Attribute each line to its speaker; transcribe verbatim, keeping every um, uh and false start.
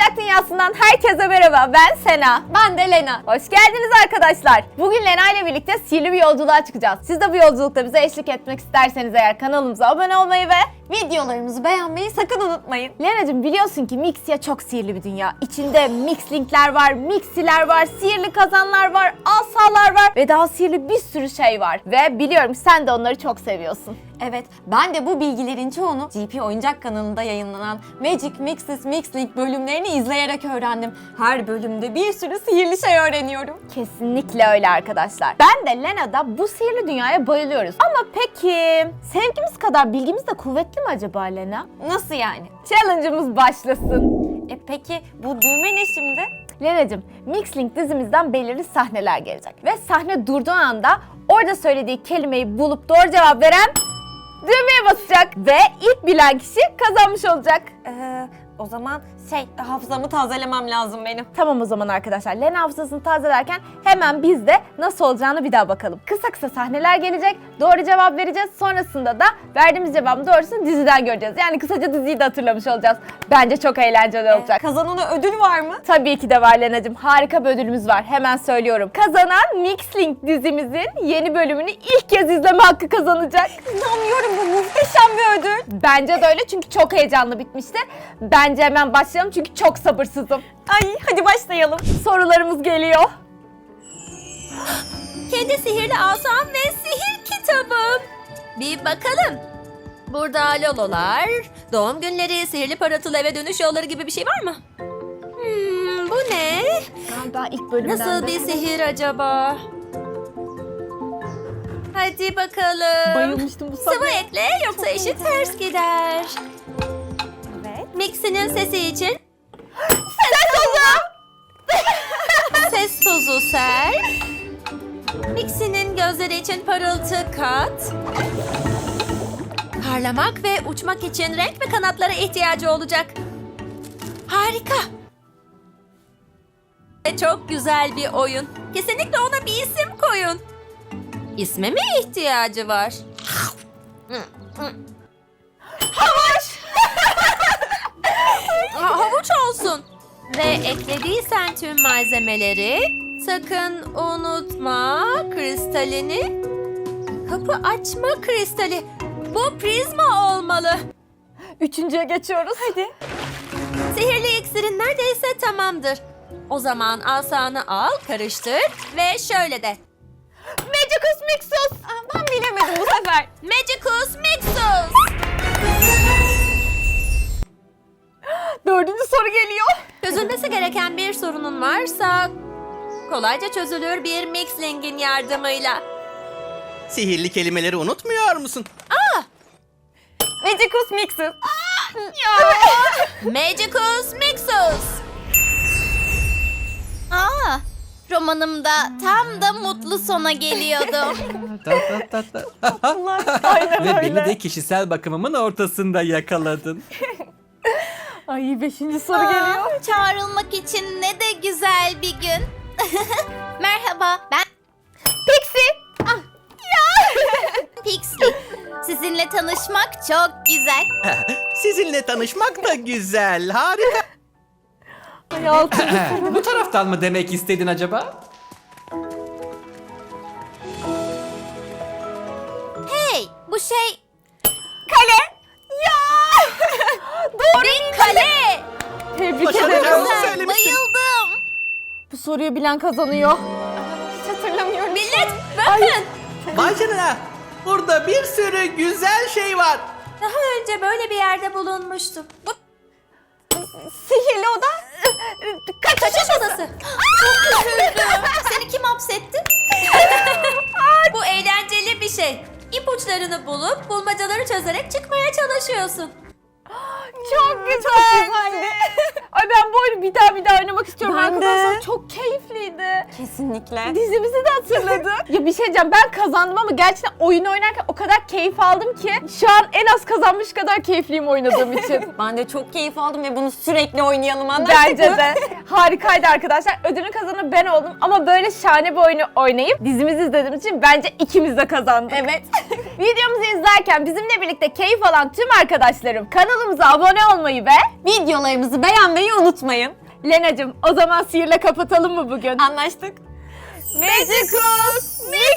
Speaker 1: Oyuncak Dünyası'ndan herkese merhaba. Ben Sena.
Speaker 2: Ben de Lena.
Speaker 1: Hoş geldiniz arkadaşlar. Bugün Lena ile birlikte sihirli bir yolculuğa çıkacağız. Siz de bu yolculukta bize eşlik etmek isterseniz eğer kanalımıza abone olmayı ve
Speaker 2: Videolarımızı beğenmeyi sakın unutmayın.
Speaker 1: Lena'cığım biliyorsun ki Mixia çok sihirli bir dünya. İçinde Mixlink'ler var, Mixiler var, sihirli kazanlar var, asalar var ve daha sihirli bir sürü şey var. Ve biliyorum sen de onları çok seviyorsun.
Speaker 2: Evet, ben de bu bilgilerin çoğunu G P Oyuncak kanalında yayınlanan Magic Mixes Mixlink bölümlerini izleyerek öğrendim. Her bölümde bir sürü sihirli şey öğreniyorum.
Speaker 1: Kesinlikle öyle arkadaşlar. Ben de Lena'da bu sihirli dünyaya bayılıyoruz. Ama peki sevgimiz kadar bilgimiz de kuvvetli mi acaba Lena?
Speaker 2: Nasıl yani?
Speaker 1: Challenge'ımız başlasın.
Speaker 2: E peki bu düğme ne şimdi?
Speaker 1: Lena'cığım, Mixlink dizimizden belirli sahneler gelecek. Ve sahne durduğu anda orada söylediği kelimeyi bulup doğru cevap veren düğmeye basacak. Ve ilk bilen kişi kazanmış olacak.
Speaker 2: Ee, o zaman şey, hafızamı tazelemem lazım benim.
Speaker 1: Tamam o zaman arkadaşlar. Lena hafızasını tazelerken hemen biz de nasıl olacağını bir daha bakalım. Kısa kısa sahneler gelecek. Doğru cevap vereceğiz. Sonrasında da verdiğimiz cevabın doğrusunu diziden göreceğiz. Yani kısaca diziyi de hatırlamış olacağız. Bence çok eğlenceli olacak.
Speaker 2: Kazanana ödül var mı?
Speaker 1: Tabii ki de var Lena'cığım. Harika bir ödülümüz var. Hemen söylüyorum. Kazanan Mixlink dizimizin yeni bölümünü ilk kez izleme hakkı kazanacak.
Speaker 2: İnanmıyorum, bu muhteşem bir ödül.
Speaker 1: Bence de öyle çünkü çok heyecanlı bitmişti. Bence hemen başlayalım çünkü çok sabırsızım.
Speaker 2: Ay hadi başlayalım.
Speaker 1: Sorularımız geliyor.
Speaker 3: Kendi sihirli asam ve sihir kitabım. Bir bakalım. Burada lololar, doğum günleri, sihirli parıltılı eve dönüş yolları gibi bir şey var mı? Hmm, bu ne?
Speaker 1: Galiba ilk bölümden
Speaker 3: Nasıl
Speaker 1: de.
Speaker 3: bir sihir acaba? Hadi bakalım.
Speaker 1: Bayılmıştım bu
Speaker 3: Sıvı
Speaker 1: sahneye.
Speaker 3: ekle yoksa işi ters gider.
Speaker 2: Evet.
Speaker 3: Mixinin sesi için
Speaker 1: Ses tozu.
Speaker 3: ses tozu ser. Mixinin gözleri için parıltı kat. Parlamak ve uçmak için renk ve kanatlara ihtiyacı olacak. Harika. Ve çok güzel bir oyun. Kesinlikle ona bir isim koyun. İsme mi ihtiyacı var? Havuç. Havuç olsun. Ve eklediysen tüm malzemeleri sakın unutma kristalini. Kapı açma kristali. Bu prizma olmalı.
Speaker 1: Üçüncüye geçiyoruz. Hadi.
Speaker 3: Sihirli iksirin neredeyse tamamdır. O zaman asanı al, karıştır ve şöyle de.
Speaker 1: Magicus Mixus.
Speaker 2: Aa, ben bilemedim bu sefer.
Speaker 3: Magicus Mixus.
Speaker 1: Dördüncü soru geliyor.
Speaker 3: Çözülmesi gereken bir sorunun varsa kolayca çözülür bir Mixlink'in yardımıyla.
Speaker 4: Sihirli kelimeleri unutmuyor musun?
Speaker 2: Magicus Mixes.
Speaker 3: Magicus Mixus.
Speaker 5: Aa, romanımda tam da mutlu sona geliyordum.
Speaker 1: Aynen
Speaker 6: Ve
Speaker 1: öyle.
Speaker 6: beni de kişisel bakımımın ortasında yakaladın.
Speaker 1: Ay beşinci soru geliyor.
Speaker 5: Aa, çağrılmak için ne de güzel bir gün. Merhaba, ben
Speaker 1: Pixie. Ah,
Speaker 5: Pixie. Sizinle tanışmak çok güzel.
Speaker 4: Sizinle tanışmak da güzel, harika.
Speaker 1: Ay altıncı.
Speaker 6: Bu taraftan mı demek istedin acaba?
Speaker 5: Hey, bu şey
Speaker 1: Kale. Ya. Doğru.
Speaker 5: bir kale.
Speaker 1: Tebrik
Speaker 4: Başaracağımızı
Speaker 1: ederim.
Speaker 5: Güzel,
Speaker 4: söylemiştim.
Speaker 5: bayıldım.
Speaker 1: Bu soruyu bilen kazanıyor.
Speaker 2: Hiç hatırlamıyorum.
Speaker 3: Millet bakın.
Speaker 4: Vay canına, burada bir sürü güzel şey var.
Speaker 3: Daha önce böyle bir yerde bulunmuştum. Bu
Speaker 2: Sihirli oda.
Speaker 3: kaçış odası.
Speaker 5: Çok üzüldüm. Seni kim hapsetti?
Speaker 3: Bu eğlenceli bir şey. İpuçlarını bulup bulmacaları çözerek çıkmaya çalışıyorsun.
Speaker 1: Çok güzel. Ay ben bu oyunu bir daha bir daha oynamak istiyorum
Speaker 2: Ben de.
Speaker 1: arkadaşlar. Çok keyifliydi.
Speaker 2: Kesinlikle.
Speaker 1: Dizimizi de hatırladım. Ya bir şey diyeceğim, ben kazandım ama gerçekten oyunu oynarken o kadar keyif aldım ki şu an en az kazanmış kadar keyifliyim oynadığım için.
Speaker 2: Ben de çok keyif aldım ve bunu sürekli oynayalım, anlaştık
Speaker 1: Bence
Speaker 2: mı?
Speaker 1: de. Harikaydı arkadaşlar. Ödülün kazananı ben oldum ama böyle şahane bir oyunu oynayıp dizimizi izlediğimiz için bence ikimiz de kazandık.
Speaker 2: Evet.
Speaker 1: Videomuzu izlerken bizimle birlikte keyif alan tüm arkadaşlarım kanalımıza abone olmayı ve
Speaker 2: Videolarımızı beğenmeyi unutmayın.
Speaker 1: Lena'cığım o zaman sihirle kapatalım mı bugün?
Speaker 2: Anlaştık.
Speaker 1: Magicus Mix